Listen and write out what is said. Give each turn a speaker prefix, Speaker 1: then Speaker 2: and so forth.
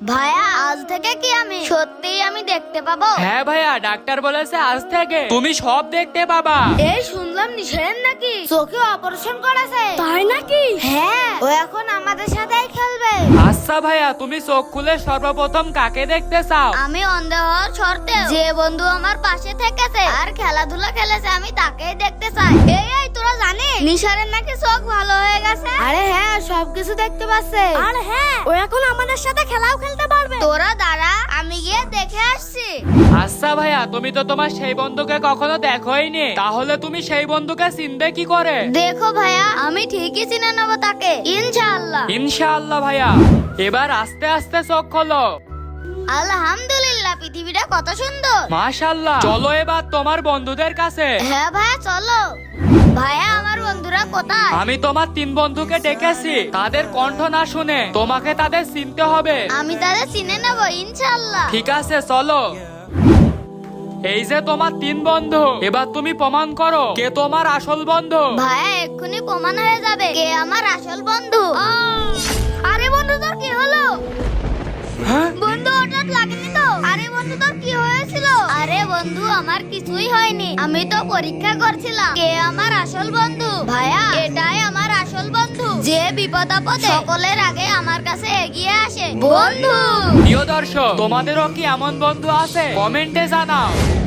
Speaker 1: ভাইয়া আজ থেকে কি আমি সত্যিই আমি দেখতে পাবো?
Speaker 2: হ্যাঁ ভাইয়া, ডাক্তার বলেছে আজ থেকে তুমি সব দেখতে পাবা।
Speaker 1: এই শুনলাম নিশেন নাকি চোখে অপারেশন করেছে, তাই নাকি? হ্যাঁ, ও এখন আমাদের সাথেই খেলবে।
Speaker 2: আচ্ছা ভাইয়া, তুমি চোখ খুলে সর্বপ্রথম কাকে দেখতে চাও?
Speaker 1: আমি অন্ধ হওয়ার শর্তে যে বন্ধু আমার পাশে থেকেছে আর খেলাধুলা খেলেছে আমি তাকেই দেখতে চাই। এই তোরা জানিস নিশারের নাকি চোখ ভালো হয়ে গেছে? আরে হ্যাঁ, সবকিছু দেখতে পাচ্ছে। আর হ্যাঁ, ও এখন আমাদের সাথে খেলাও খেলতে পারবে। তোরা দাঁড়া, আমি গিয়ে দেখে আসছি।
Speaker 2: আচ্ছা ভাইয়া, তুমি তো তোমার সেই বন্ধুকে কখনো দেখোইনি, তাহলে তুমি সেই বন্ধুকে চিনবে কি করে?
Speaker 1: দেখো ভাইয়া, আমি ঠিকই চিনে নেবো তাকে, ইনশাআল্লাহ।
Speaker 2: ইনশাআল্লাহ ভাইয়া। এবার আস্তে আস্তে চোখ খোলো।
Speaker 1: আলহামদুলিল্লাহ, পৃথিবীটা কত সুন্দর।
Speaker 2: মাশাআল্লাহ। চলো এবার তোমার বন্ধুদের কাছে।
Speaker 1: হ্যাঁ ভাইয়া চলো। ভাইয়া আমার বন্ধুরা কোথায়?
Speaker 2: আমি তোমার 3 বন্ধুকে ডেকেছি, তাদের কণ্ঠ না শুনে তোমাকে তাদের চিনতে হবে।
Speaker 1: আমি তাদের চিনে নেবো ইনশাআল্লাহ।
Speaker 2: ঠিক আছে, চলো। এই যে তোমার 3 বন্ধু, এবার তুমি প্রমাণ করো কে তোমার আসল বন্ধু।
Speaker 1: ভাইয়া এক্ষুনি প্রমাণ হয়ে যাবে কে আমার আসল বন্ধু। আরে বন্ধু তোর কি হলো?
Speaker 2: হ্যাঁ?
Speaker 1: বন্ধু হঠাৎ লাগেনি তো? আরে বন্ধু তোর কি হয়েছিল? আরে বন্ধু আমার কিছুই হয়নি, আমি তো পরীক্ষা করছিলাম কে আমার আসল বন্ধু। ভাইয়া এটাই আমার আসল বন্ধু, যে বিপদ আপদে সকলের আগে আমার কাছে এগিয়ে আসে। বন্ধু
Speaker 2: প্রিয় দর্শক, তোমাদেরও কি এমন বন্ধু আছে? কমেন্টে জানাও।